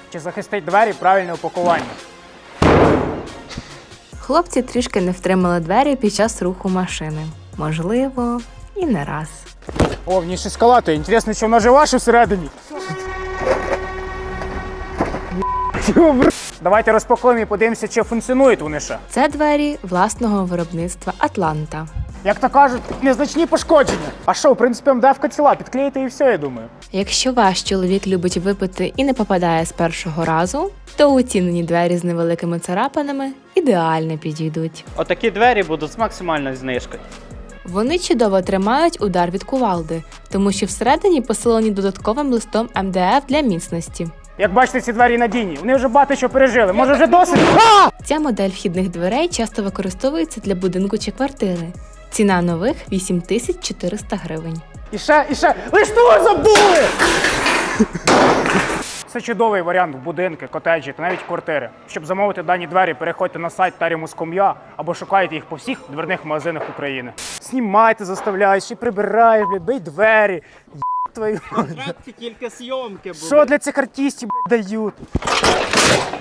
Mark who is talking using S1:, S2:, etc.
S1: Чи захистить двері правильне упакування?
S2: Хлопці трішки не втримали двері під час руху машини. Можливо, і не раз.
S1: О, в ній щось калатає. Інтересно, що вона жива, що всередині? Давайте розпакуємо і подивимося, чи функціонують вони ще.
S2: Це двері власного виробництва «Атланта».
S1: Як то кажуть, незначні пошкодження. А що, в принципі, МДФ-ка ціла, підклеїти і все, я думаю.
S2: Якщо ваш чоловік любить випити і не попадає з першого разу, то уцінені двері з невеликими царапинами ідеально підійдуть.
S3: Отакі двері будуть з максимальною знижкою.
S2: Вони чудово тримають удар від кувалди, тому що всередині посилені додатковим листом МДФ для міцності.
S1: Як бачите, ці двері надійні. Вони вже багато що пережили. Може вже досить?
S2: Ця модель вхідних дверей часто використовується для будинку чи квартири. Ціна нових – 8400 гривень.
S1: І ще. Ви що забули? Це чудовий варіант в будинки, котеджі та навіть квартири. Щоб замовити дані двері, переходьте на сайт Tarimus.com.ua або шукайте їх по всіх дверних магазинах України. Знімайте, заставляєш, ще прибираєш, блядь, бий двері. Твою.
S3: Тільки зйомки були.
S1: Що для цих артистів, блядь, дають?